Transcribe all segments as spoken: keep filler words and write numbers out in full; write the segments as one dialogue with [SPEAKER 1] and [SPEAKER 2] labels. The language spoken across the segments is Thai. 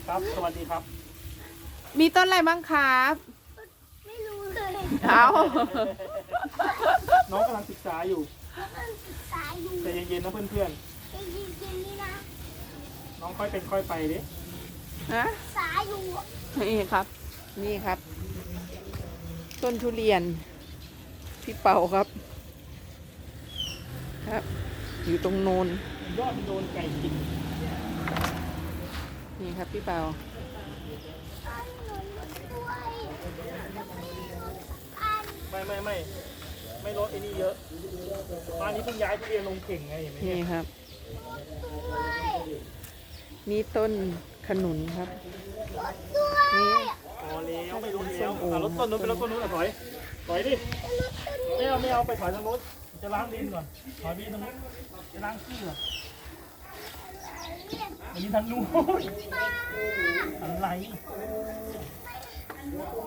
[SPEAKER 1] ครับสวัสดีครับ
[SPEAKER 2] มีต้นอะไรบ้างครับ
[SPEAKER 3] ไม่รู้เลย
[SPEAKER 2] เอา
[SPEAKER 1] น้องกำลังศึกษาอยู่
[SPEAKER 3] กำลังศึกษาอยู่
[SPEAKER 1] ใจเย็นๆนะเพื่อน
[SPEAKER 3] ใจเย็นๆนี่นะ
[SPEAKER 1] ๆน้องค่อยเป็นค่อยไปดิ
[SPEAKER 2] ฮะ
[SPEAKER 3] ศึกษาอยู่
[SPEAKER 2] นี่ครับ นี่ครับ ต้นทุเรียนพี่เป่าครับ ครับ อยู่ตรงโนน
[SPEAKER 1] ยอดมันโดนไก่กิน
[SPEAKER 2] นี่ครับพี่เป่า
[SPEAKER 3] อันหนุนด้วยแล้วมีรถอัน
[SPEAKER 1] ไม่ไม่ไม่ไม่ลดไอ้นี่เยอะบ้านนี้เพิ่งย้ายทุเรียนลงเข่งไงเห็นไหม
[SPEAKER 2] นี่
[SPEAKER 1] เนี่ย
[SPEAKER 2] ครับ
[SPEAKER 3] ด้วย
[SPEAKER 2] นี่ต้นขนุนครับ
[SPEAKER 3] รถด้วย
[SPEAKER 2] นี่
[SPEAKER 1] พอแล้วไม่รู้แล้ว
[SPEAKER 2] ส้มโอ
[SPEAKER 1] อ่ะรถต้นนู้นไปรถต้นนู้นอ่ะถอยถอยดิ
[SPEAKER 3] รถต้น
[SPEAKER 1] ไม่เอาไม่เอาไปถอยทางนู้นจะล้างดินก่อนถอยไปทางนู้นจะล้างขี้ก่อน
[SPEAKER 3] เนี่ย
[SPEAKER 1] อันนี้ทางนู้น
[SPEAKER 3] ป้า
[SPEAKER 1] อะไร
[SPEAKER 3] อัน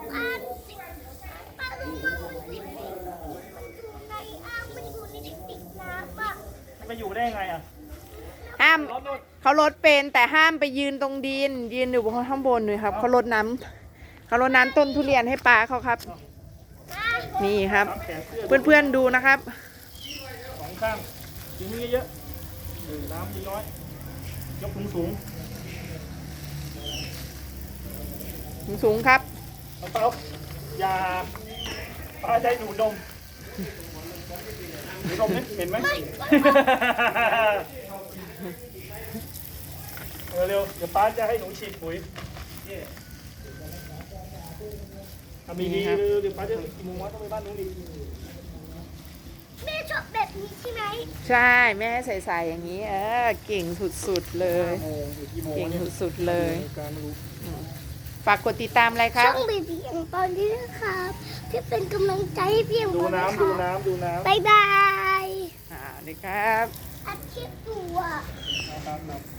[SPEAKER 3] ป้ารู้ว่ามันติดในมันอยู่ในอ่างมันอยู่ในติดน้ำอ่ะ
[SPEAKER 1] ไปอยู่ได้ไงอ่ะ
[SPEAKER 2] ห้าม
[SPEAKER 1] รถนู้น
[SPEAKER 2] เขาลดเป็นแต่ห้ามไปยืนตรงดิน ยืนอยู่บนข้างบนเลยครับเขาลดน้ำเขาลดน้ำต้นทุเรียนให้ปลาเขาครับ นี่ครับ
[SPEAKER 1] น้ำแขนเสื้อ
[SPEAKER 2] เพื่อนๆดูนะครับ
[SPEAKER 1] สองข้างกินมือเยอะๆเออน้ำน้อยๆยกสูงสูง
[SPEAKER 2] สูงๆครับ
[SPEAKER 1] เอาเปล่าอย่าปลาใจหนูดมหนูดมเนี่ยเห็นไหมเออเร็วเดี๋ยวป้าจะให้หนูฉีดปุ๋ยทำดีๆเร็วเดี๋ยวป้าจะกี่โมงวะต้องไปบ้านหนูดี
[SPEAKER 3] แม่ชอบแบบนี้ใช่ไหม
[SPEAKER 2] ใช่แม่ให้ใส่ๆอย่างนี้ เออเก่งสุดๆเลย
[SPEAKER 1] โมงหรือกี่โมง
[SPEAKER 2] เก่ง
[SPEAKER 1] เนี่ย
[SPEAKER 2] สุดๆเลย
[SPEAKER 1] การไม่รู้
[SPEAKER 2] ฝากกดติดตามอะไรค
[SPEAKER 3] ช่
[SPEAKER 2] รั
[SPEAKER 3] อบ งเบบี้อย่างตอนนี้นะครับที่เป็นกำลังใจให้พี่อย่าง
[SPEAKER 1] ดู
[SPEAKER 3] ตอนนะ
[SPEAKER 1] น้ำ
[SPEAKER 3] ค
[SPEAKER 1] ดู
[SPEAKER 3] รับ
[SPEAKER 1] น้ำดูน้ำ
[SPEAKER 3] บายบาย
[SPEAKER 2] อ่าเลยครับ
[SPEAKER 3] อัดคลิปอยู่อ่ะ
[SPEAKER 1] น้ำน้ำ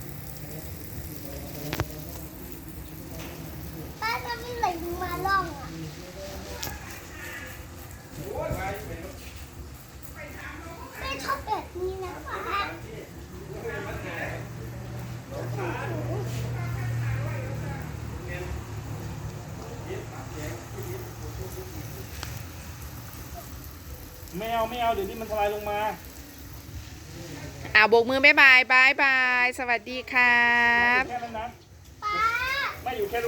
[SPEAKER 3] ป้าจะไม่ไหลมาล่องอ่ะแม่ชอบแบบนี้นะคะ
[SPEAKER 1] ไม่เอาไม่เอาเดี๋ยวนี้มันทลายลงมา
[SPEAKER 2] อ่าโบกมือบ๊ายบายบายบาย สวัสดีครับ
[SPEAKER 1] แค่นั้นนะ
[SPEAKER 3] ป้า
[SPEAKER 1] ไม่อยู่แค่